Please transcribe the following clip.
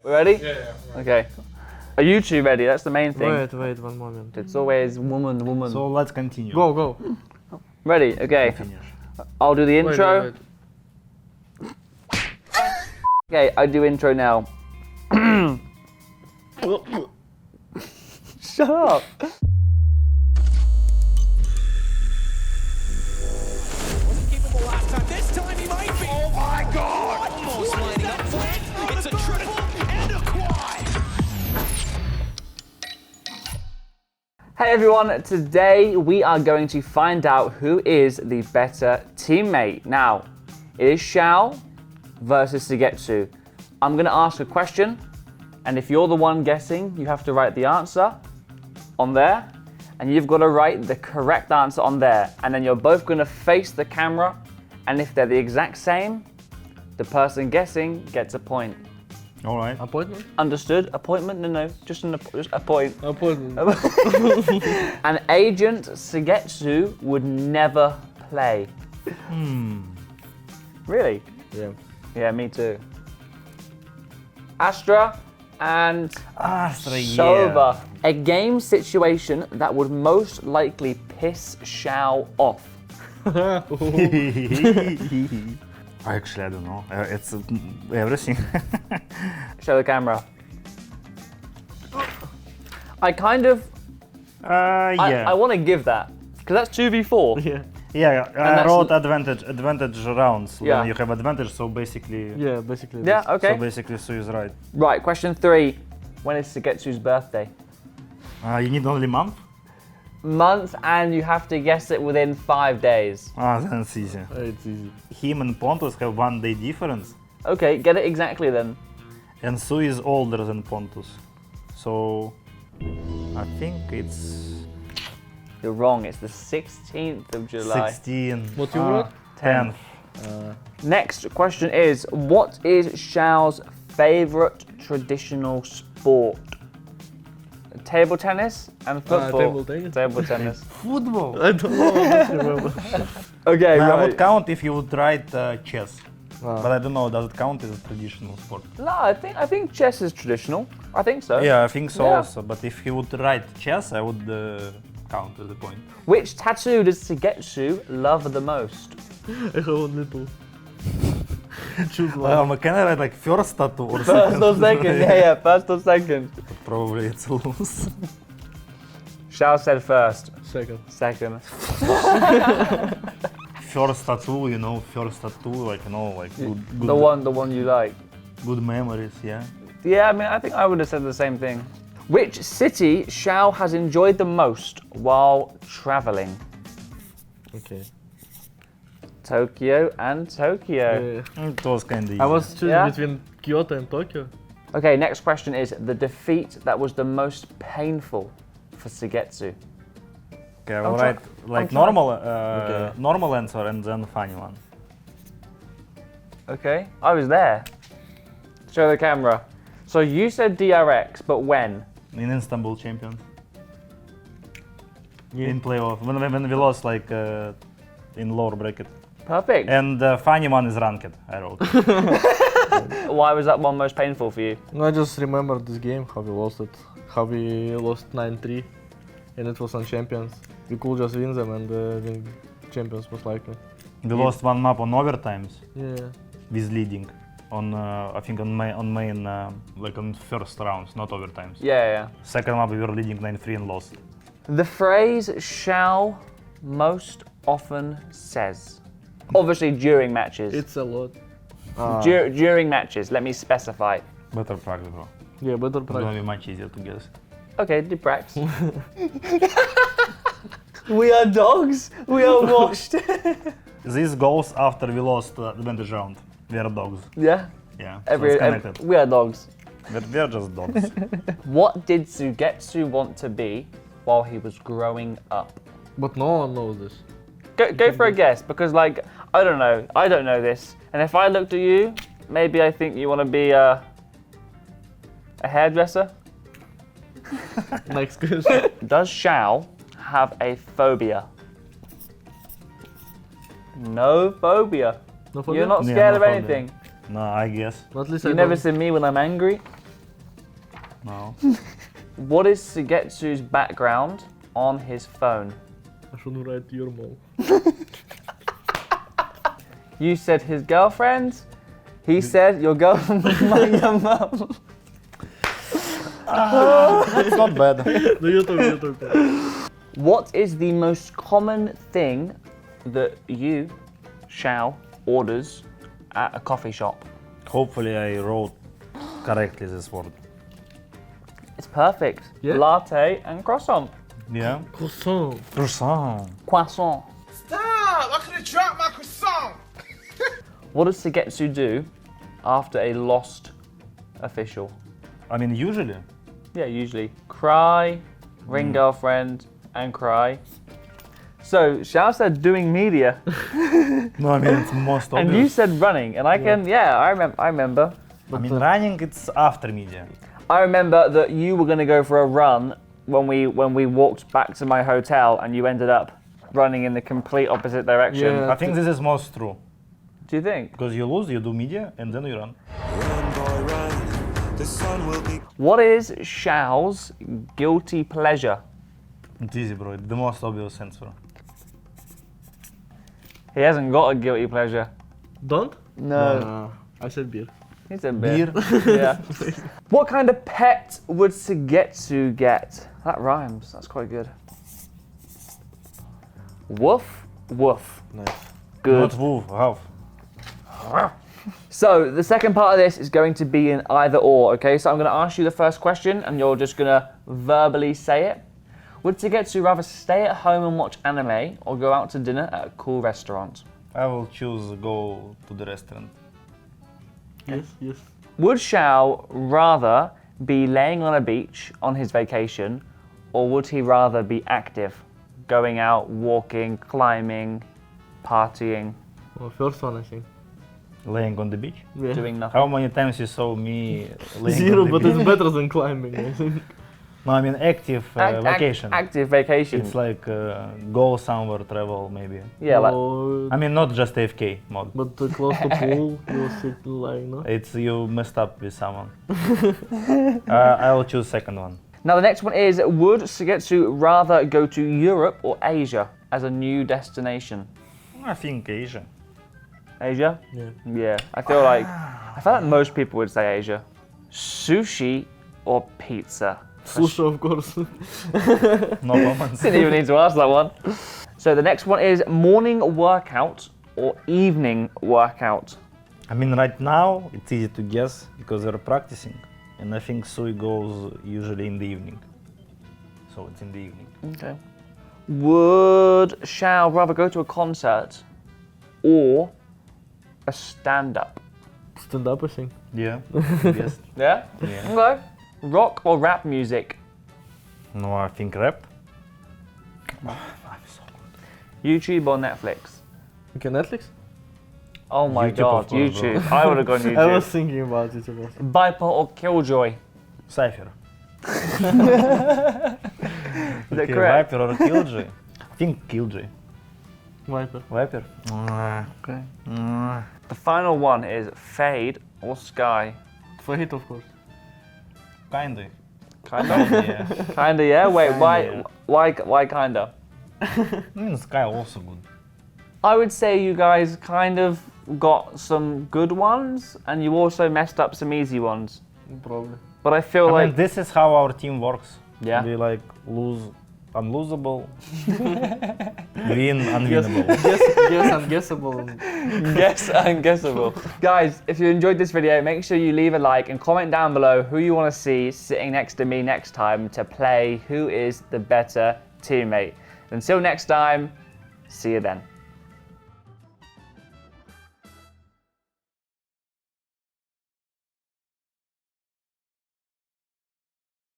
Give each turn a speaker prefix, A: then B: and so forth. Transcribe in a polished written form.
A: We ready?
B: Yeah.
A: Okay. Are you two ready? That's the main thing.
C: Wait, 1 moment.
A: It's always woman.
D: So let's continue.
C: Go.
A: Ready? Okay.
D: Finish.
A: I'll do the intro.
C: Wait.
A: Okay, I do intro now. Shut up.
E: Wasn't capable last time. This time he might be. Oh my God! Almost lining up for it. It's a triple and a quad.
A: Hey everyone, today we are going to find out who is the better teammate. Now, it is Xiao versus Suigetsu. I'm gonna ask a question, and if you're the one guessing, you have to write the answer on there, and you've got to write the correct answer on there, and then you're both gonna face the camera, and if they're the exact same, the person guessing gets a point.
D: All right.
C: Appointment?
A: Understood? Appointment? No, just a point.
C: Appointment.
A: An agent Suigetsu would never play. Really?
C: Yeah.
A: Yeah, me too. Astra and
D: Astra,
A: Sova. A game situation that would most likely piss Xiao off.
D: Actually, I don't know. It's everything.
A: Show the camera. I kind of,
D: Yeah.
A: I want to give that, because that's 2v4.
C: Yeah.
D: Yeah, I
A: that's
D: wrote advantage rounds.
A: Yeah.
D: When you have advantage, so basically.
C: Yeah, basically.
A: Yeah,
C: this.
A: okay.
D: So basically, Sue is right.
A: Right, question 3. When is Suigetsu's birthday?
D: You need only month?
A: Month, and you have to guess it within 5 days.
D: Then it's easy.
C: It's easy.
D: Him and Pontus have 1 day difference,
A: Okay, get it exactly then.
D: and Sue is older than Pontus. So I think it's
A: You're wrong, it's the 16th of July.
D: 16.
C: What you wrote?
D: 10.
A: Next question is, what is Xiao's favorite traditional sport? Table tennis and football.
C: table tennis.
A: Table tennis.
D: Football.
C: I don't know. I don't remember.
A: Okay,
D: I
A: right.
D: would count if you would write chess,
C: Ah.
D: but I don't know. Does it count as a traditional sport?
A: No, I think chess is traditional. I think so.
D: Yeah, I think so
A: Yeah.
D: also. But if he would write chess, I would count as a point.
A: Which tattoo does Suigetsu love the most?
C: I have one little. Choose one.
D: Can I write like first tattoo or
A: First
D: second?
A: or second? Yeah, first or second.
D: Probably it's a lose.
A: Xiao said first.
C: Second.
A: Second.
D: First tattoo, first tattoo, like good,
A: The one you like.
D: good memories, yeah.
A: Yeah, I mean, I think I would have said the same thing. Which city Xiao has enjoyed the most while traveling?
C: Okay.
A: Tokyo and Tokyo.
D: It was kinda easy.
C: I was choosing
A: Yeah?
C: between Kyoto and Tokyo.
A: Okay, next question is the defeat that was the most painful for Suigetsu.
D: Okay, I will
A: I'm try-
D: write like
A: I'm trying-
D: normal answer and then funny one.
A: Okay, I was there. Show the camera. So you said DRX, but when?
D: In Istanbul Champions.
C: Yeah.
D: In playoff. When we lost in lower bracket.
A: Perfect.
D: And the funny one is ranked, I wrote.
A: Why was that one most painful for you?
C: I just remember this game, how we lost it. How we lost 9-3, and it was on Champions. We could just win them and win Champions most likely.
D: We lost one map on overtimes
C: Yeah.
D: with leading. On I think on main like on first rounds, not overtimes.
A: Yeah.
D: Second map we were leading 9-3 and lost.
A: The phrase Xiao most often says. Obviously during matches.
C: It's a lot.
A: During matches, let me specify.
D: Better practice, bro.
C: Yeah, better
D: It's gonna
C: practice.
D: be much easier to guess.
A: Okay, Dibrax. We are dogs. We are washed.
D: This goes after we lost the advantage round. We are dogs.
A: Yeah.
D: Yeah. So it's connected.
A: We are dogs.
D: We are just dogs.
A: What did Suigetsu want to be while he was growing up?
C: But no one knows this.
A: Go for a guess, because I don't know. I don't know this. And if I looked at you, maybe I think you want to be a hairdresser.
C: Next question.
A: Does Xiao have a phobia? No phobia.
C: No phobia?
A: You're not
D: Yeah,
A: scared
D: no
A: of
D: phobia.
A: anything.
D: No, I guess.
C: At least
A: You
C: I
A: never
C: don't.
A: see me when I'm angry.
D: No.
A: What is Sugetsu's background on his phone?
C: I shouldn't write your mom.
A: You said his girlfriend. He said your girlfriend was your mum.
D: It's not bad.
C: No, you talk.
A: What is the most common thing that you, Xiao, orders at a coffee shop?
D: Hopefully I wrote correctly this word.
A: It's perfect.
C: Yeah?
A: Latte and croissant.
D: Yeah.
C: Croissant.
D: Croissant.
A: Croissant.
B: Stop! I could have dropped my croissant.
A: What does Sugetsu do after a lost official?
D: I mean, usually.
A: Yeah, usually cry, ring girlfriend, and cry. So Xiao said doing media,
D: No, I mean, it's most
A: and
D: obvious.
A: you said running, and I remember.
D: I mean, running, it's after media.
A: I remember that you were going to go for a run when we walked back to my hotel, and you ended up running in the complete opposite direction.
C: Yeah.
D: I think this is most true.
A: Do you think?
D: Because you lose, you do media, and then you run.
B: Run, boy, run. The sun will be.
A: What is Xiao's guilty pleasure?
D: It's easy, bro. It's the most obvious answer.
A: He hasn't got a guilty pleasure.
C: Don't?
A: No.
C: I said beer.
A: He's a bit. Yeah. What kind of pet would Sugetsu get? That rhymes. That's quite good. Woof, woof.
C: Nice.
A: Good.
D: Not woof, half.
A: So the second part of this is going to be an either or, okay? So I'm going to ask you the first question and you're just going to verbally say it. Would Sugetsu rather stay at home and watch anime or go out to dinner at a cool restaurant?
D: I will choose go to the restaurant.
C: Yes.
A: Would Xiao rather be laying on a beach on his vacation or would he rather be active? Going out, walking, climbing, partying,
C: Well, first one, I think.
D: Laying on the beach.
C: Yeah.
A: doing nothing.
D: How many times you saw me laying
C: Zero,
D: on the
C: but
D: beach?
C: it's better than climbing, I think.
D: No, I mean active vacation.
A: Active vacation.
D: It's like go somewhere, travel maybe.
A: Yeah, like
C: Or-
D: I mean, not just AFK mode.
C: but close to pool, you'll sit lying, no?
D: It's you messed up with someone. I will choose second one.
A: now the next one is, would Sugetsu rather go to Europe or Asia as a new destination?
D: I think Asia.
A: Asia?
C: Yeah.
A: Yeah, I feel like most people would say Asia. Sushi or pizza?
C: Sushi, of course.
D: No comments.
A: Didn't even need to ask that one. So the next one is morning workout or evening workout?
D: I mean, right now it's easy to guess because they're practicing, and I think Sui goes usually in the evening. So it's in the evening.
A: Okay. Would Xiao rather go to a concert or a stand-up?
C: Stand up, I think.
D: Yeah. Yes.
A: Yeah?
D: Yeah.
A: Okay. Rock or rap music?
D: No, I think rap.
A: YouTube or Netflix?
C: Okay, Netflix?
A: Oh my
D: YouTube, of
A: god,
D: course, bro.
A: YouTube. I would have gone
C: I was
A: YouTube.
C: thinking about it also.
A: Viper or Killjoy?
D: Cypher.
A: Is that
D: Okay,
A: correct?
D: Viper or Killjoy? I think Killjoy.
C: Viper.
D: Viper.
A: Okay. The final one is Fade or Sky?
C: Fade, of course.
D: Kinda.
A: Kinda.
D: Yeah.
A: Kinda, yeah. Wait,
D: Kinda,
A: why kinda?
D: I mean, Sky also good.
A: I would say you guys kind of got some good ones, and you also messed up some easy ones.
C: Probably.
A: But I feel
D: I
A: like
D: mean, this is how our team works.
A: Yeah.
D: We like lose unlosable, win unwinnable.
C: Guess unguessable.
A: guess unguessable. Guys, if you enjoyed this video, make sure you leave a like and comment down below who you want to see sitting next to me next time to play Who is the Better Teammate. Until next time, see you then.